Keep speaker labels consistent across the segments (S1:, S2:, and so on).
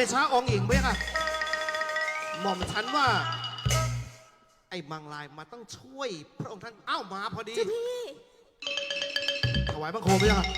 S1: ดชะองค์หญิงเบ้ค่ะหม่อมฉันว่าไอ้มังลายมาต้องช่วยพระองค์ท่านอ้าวมาพอดี
S2: เจ้าพี่
S1: ถวายบังคมเบ้ค่ะ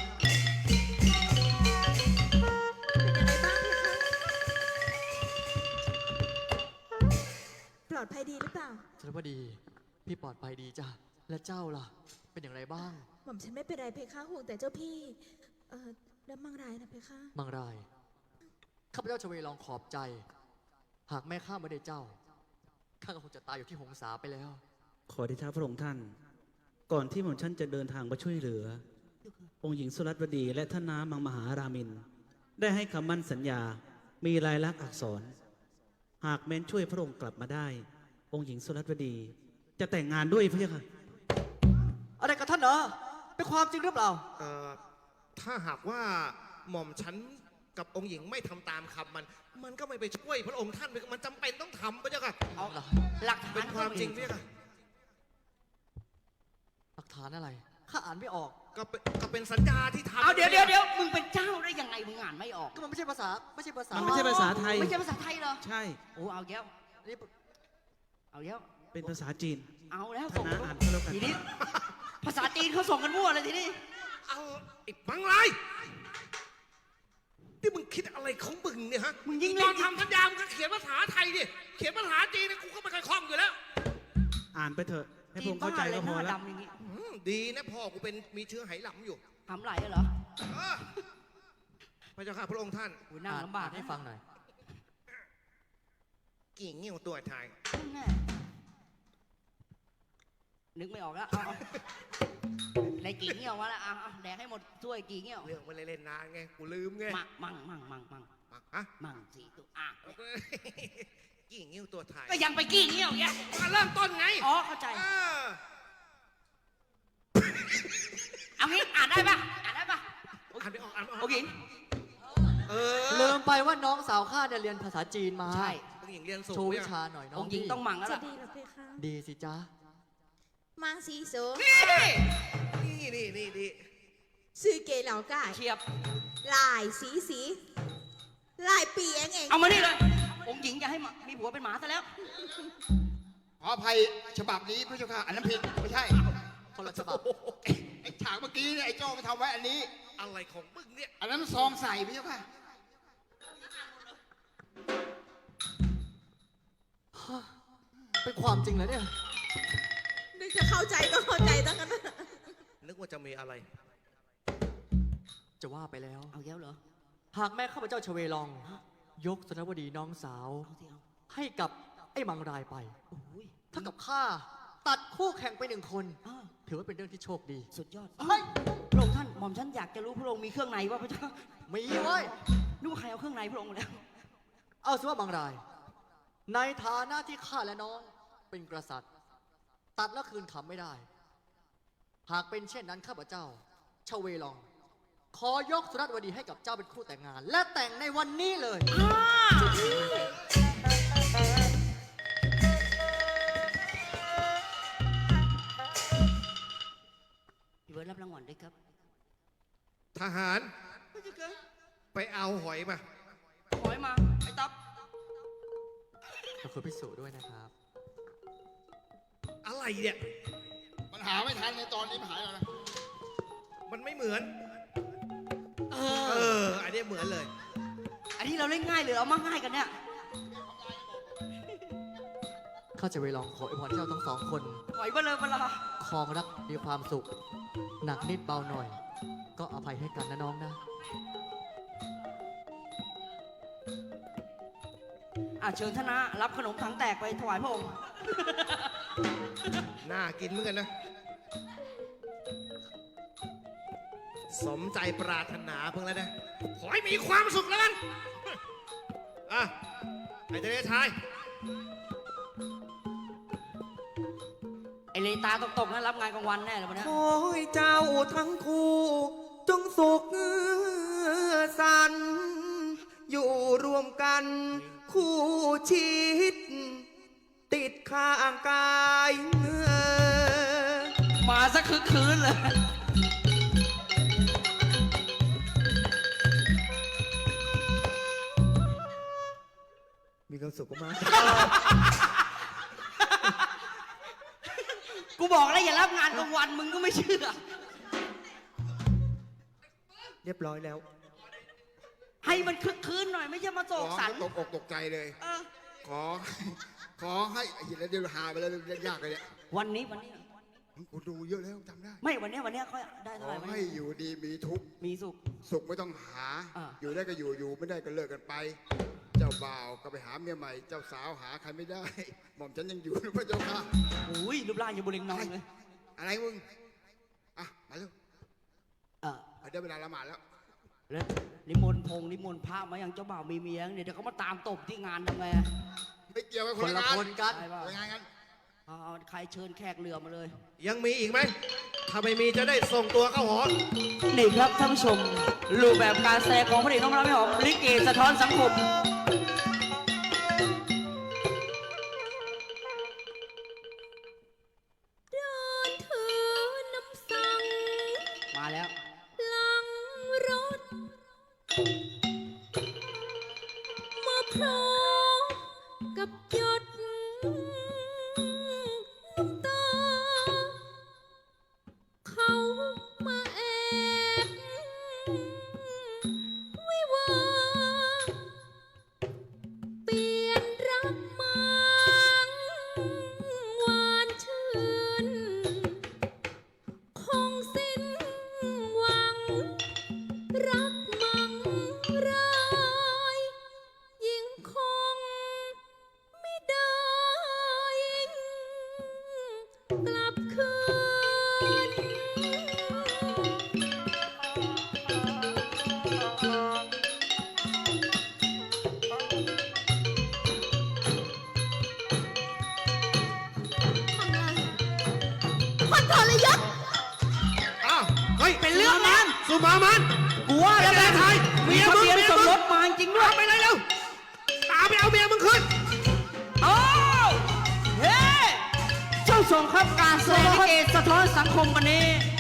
S2: เป็นยังไงบ้างพี่คะปลอดภัยดีหรือเปล่า
S3: ฉันว่าดีพี่ปลอดภัยดีจ้ะและเจ้าล่ะเป็นอย่างไรบ้าง
S2: หม่อมฉันไม่เป็นไรเพคะห่วงแต่เจ้าพี่แล้วมังรายนะเพคะ
S3: บางรายข้าพเจ้าชเวลองขอบใจ หากแม่ข้าไม่ได้เจ้าข้าก็คงจะตายอยู่ที่หงสาไปแล้ว
S4: ขอเดชะพระองค์ท่าน ก่อนที่หม่อมฉันจะเดินทางมาช่วยเหลือ องค์หญิงสุรัตวดีและท่านน้ามังมหารามิน ได้ให้คำมั่นสัญญา มีลายลักษณ์อักษร หากแม้นช่วยพระองค์กลับมาได้ องค์หญิงสุรัตวดี จะแต่งงานด้วยพระเจ้าค่ะ
S3: อะไรกับท่านเหรอเป็นความจริงหรือเปล่า
S1: ถ้าหากว่าหม่อมฉันกับองค์หญิงไม่ทำตามคำมันก็ไม่ไปช่วยพระองค์ท่านมันจำเป็นต้องทำพระเจ้าค่ะ
S3: เอาล่ะ
S5: หลักฐาน
S1: เป็นความจริงพระเจ้าค่ะ
S3: หลักฐานอะไรข้าอ่านไม่ออก
S1: ก็เป็นสัญญาที่ทำ
S5: เอาเดี๋ยวมึงเป็นเจ้าได้ยังไงมึงอ่านไม่ออก
S3: ก็มันไม่ใช่ภาษาไม่ใช่ภาษา
S4: มันไม่ใช่ภาษาไทย
S5: ไม่ใช่ภาษาไทยเหรอ
S4: ใช่
S5: โอ้เอาแก้ว
S3: นี่
S5: เอาแก้ว
S4: เป็นภาษาจีน
S5: เอาแล้ว
S4: ท่าน
S5: ส่ง
S4: น้าอ่านก็แล้วกัน
S5: ทีนี้ ภาษาจีนเขาส่งกันมั่วเลยทีนี้
S1: เอาไอ้มังลายที่มึงคิดอะไรของมึงเนี่ยฮะ
S5: มึงยิ่ง
S1: ต
S5: เล่
S1: อน นทำสัญญามึงก็เขียนภาษาไทยดิเขียนภาษาจีนเนี่ยกูก็ไม่ค่อยคล่องอยู่แล้ว
S4: อ่านไปเถอะ ให้พ
S5: จี
S4: ระอน งค์เข้าใจ
S5: บ้าเล
S4: ก็
S5: ยห
S4: พอ
S5: น้า
S4: แล้ว
S5: ดำอย่างงี้
S1: ดีนะพ่อกูเป็นมีเชื้อไหหลำอยู่
S5: ทำไหลเหรอ
S1: เออพระเจ้าค่ะพระองค์ท่าน
S5: โอ้ยนั่งลำบาก
S3: อ่นให้ฟังหน่อย
S1: กิ่งเงี้ยวตัวไทย
S5: แน่นึกไม่ออกแล้วเอาในกี่เงี้ยวมาแล้วเอาแดกให้หมดถ้วยกี่เงี้ยว
S1: เรื่องมันเล่นๆนานไงกูลืมไง
S5: มั่ง
S1: ฮะ
S5: มั่งสี่ตัว
S1: กิ่งเงี้ยวตัวไทย
S5: ก็ยังไปกี่เงี้ยวแก
S1: มาเริ่มต้นไง
S5: อ๋อเข้าใจ
S1: เออ
S5: เอางี้อ่านได้ปะอ่านได้ปะ
S1: อ่านไม่ออกอ่านไม่ออก
S5: โอเค
S1: เออ
S3: ลืมไปว่าน้องสาวข้าเนี่ยเรียนภาษาจีนมา
S5: ใช่
S1: องค์หญิงเรียนสูง
S3: โชว์วิ
S1: เนี่ย
S3: ชาหน่อยน้อ
S5: อง งค์หญิงต้องมั่งแล้ว
S2: จะ
S5: ล่ะ
S2: ดีเหรอเพคะ
S3: ดีสิจ๊ะ
S2: มังซีสู
S5: นี่
S1: นี่
S2: ซื้อเกเหลาไก่
S5: เฉียบ
S2: ลายสีลายปีเอง
S5: เอามานี่เลย องค์หญิงจะให้มีผัวเป็นหมาซะแล้ว
S6: ขออภัยฉบับนี้พระเจ้าค่ะอันนั้นผิดไม่ใช่
S3: คนละฉบับ
S6: ไอ้ฉากเมื่อกี้เนี่ยไอ้โจ้ไปทำไว้อันนี้
S1: อะไรของมึงเนี่ย
S6: อันนั้นซองใส่พระเจ้าค่ะ
S3: เป็นความจริงเหรอเนี่ย
S2: นึกจะเข้าใจก็เข้าใจตั้งกัน
S1: นึกว่าจะมีอะไร
S3: จะว่าไปแล้ว
S5: เอาแล้วเหรอ
S3: หากแม่ข้าพเจ้าชเวลอง ยกสนวดีน้องสาว
S5: เอาสิเอา
S3: ให้กับไอ้มังรายไป
S5: โอ้ย
S3: ถ้ากับข้าตัดคู่แข่งไปหนึ่งคน
S5: อ้าว
S3: ถือว่าเป็นเรื่องที่โชคดี
S5: สุดยอดเฮ้ยพระองค์ท่านหม่อมฉันอยากจะรู้พระองค์มีเครื่องในว่าพระเจ้า
S3: มีเว้ย
S5: นึกว่าใครเอาเครื่องในพระองค์มาแล้ว
S3: เอาสิว่ามังราย ในฐานะที่ข้าและน้องเป็นกษัตริย์ ตัดแล้วคืนคำไม่ได้ หากเป็นเช่นนั้นข้าพเจ้าชเวลอง ขอยกสุรัตวดีให้กับเจ้าเป็นคู่แต่งงาน และแต่งในวันนี้เลย
S5: พี่เบิร์ดรับรางวัลด้วยครับ
S1: ทหาร ไปเอาหอยมา
S5: หอยมา ไอ้ต๊อบ
S3: ขอบคุณพิสูจน์ด้วยนะครับ
S1: อะไรเนี่ย
S6: มันหาไม่ทันในตอนนี้มันหายแล้วนะ
S1: มันไม่เหมือน
S5: เอ
S1: เอ
S5: อ
S1: อ อันนี้เหมือนเลย
S5: อันนี้เราเล่นง่ายหรือเอามาง่ายกันเนี่ย
S3: ข้าจะไปลองขออวยพรเจ้าทั้งสองคน
S5: หอยเบลอเบลา
S3: ครองรักมีความสุข หนักนิดเบาหน่อย ก็อภัยให้กันนะน้องนะ
S5: เชิญท่านนะรับขนมถังแตกไปถวายพระองค์
S1: น่ากินเหมือนกันนะ สมใจปรารถนาเพิ่งแล้วนะ ขอให้มีความสุขแล้วกัน อ่ะไอ้เจ้าชาย
S5: ไอเลตาตกๆนะรับงานกลางวันแน่เลยวันนี้
S7: ขอให้เจ้าทั้งคู่จงสุขสันต์อยู่รวมกันคู่ชีวิต ติดข้างกาย
S5: มาสักคืนเลย
S7: ความสุขมาก
S5: กูบอกแล้วอย่ารับงานกลางวันมึงก็ไม่เชื่อ
S7: เรียบร้อยแล้ว
S5: ให้มันคึกคืนหน่อยไม่ใช่มาโศกสัน
S6: ตกอกตกใจเลย
S5: เออ
S6: ขอให้เห็นแล้วเดี๋ยวหาไปแล้วยากเลยเนี่ย
S5: วันนี้
S6: กูดูเยอะแล้วจำได้
S5: ไม่วันนี้เขาได้
S6: ข
S5: เท่า
S6: อ
S5: ไหร่ไหม
S6: ให้อยู่ดีมีทุกข์
S5: มีสุข
S6: สุขไม่ต้องหา
S5: อ่า
S6: อยู่ได้ก็อยู่ไม่ได้ก็เลิกกันไป เจ้าบ่าวก็ไปหาเมียใหม่ เจ้าสาวหาใครไม่ได้ หม่อมฉันยังอยู่นะพระเจ้าค่ะ
S5: อุ้ยรูปร่างยังบุเรงนองเลย
S6: อะไรมึง อ่ะ มาเร็ว
S5: เออ
S6: ได้เวลาละหมาดแล้ว
S5: แล้วนิมนต์พระมาอย่างเจ้าบ่าวมีเมียเนี่ยเดี๋ยวเขามาตามตบที่งานทำไง
S6: ไม่เกี่ยวกับ
S3: ค
S6: คน
S3: น
S6: ละ
S3: ละ
S6: งาน
S3: คนกัน
S5: ใช่ป่ะ
S6: คนละงานกัน
S5: เอาใครเชิญแขกเรือมาเลย
S1: ยังมีอีกไหม ถ้าไม่มีจะได้ส่งตัวเข้าหอ
S5: นี่ครับท่านผู้ชมรูปแบบการแสดงของพระเอกน้องรับไม่หอมลิเกสะท้อนสังคม
S2: เดินถือน้ำสัง
S5: มาแล้ว
S2: หลังรถมาพร้อมกับหยดน้ำตา เขามาแอบวิวาห์เปลี่ยนรักมังหวานชื่น คงสิ้นหวัง รักมังรายยิ่งคงไม่ได้กลับคืน คนทรยศ
S1: อ้าว เฮ้ย
S5: เป็นเรื่องนั้น
S1: สุมามัน
S5: กูว่าแล้ว
S1: ไอ้แม่ไทย
S5: มีทะเบียนสมรสมาจริงด้วย
S1: ไปเลยเร็ว ตามไปเอาเมียมึงขึ้น
S5: โอ้เฮ้เจ้าชมครับการแสดงลิเกสะท้อนสังคมวันนี้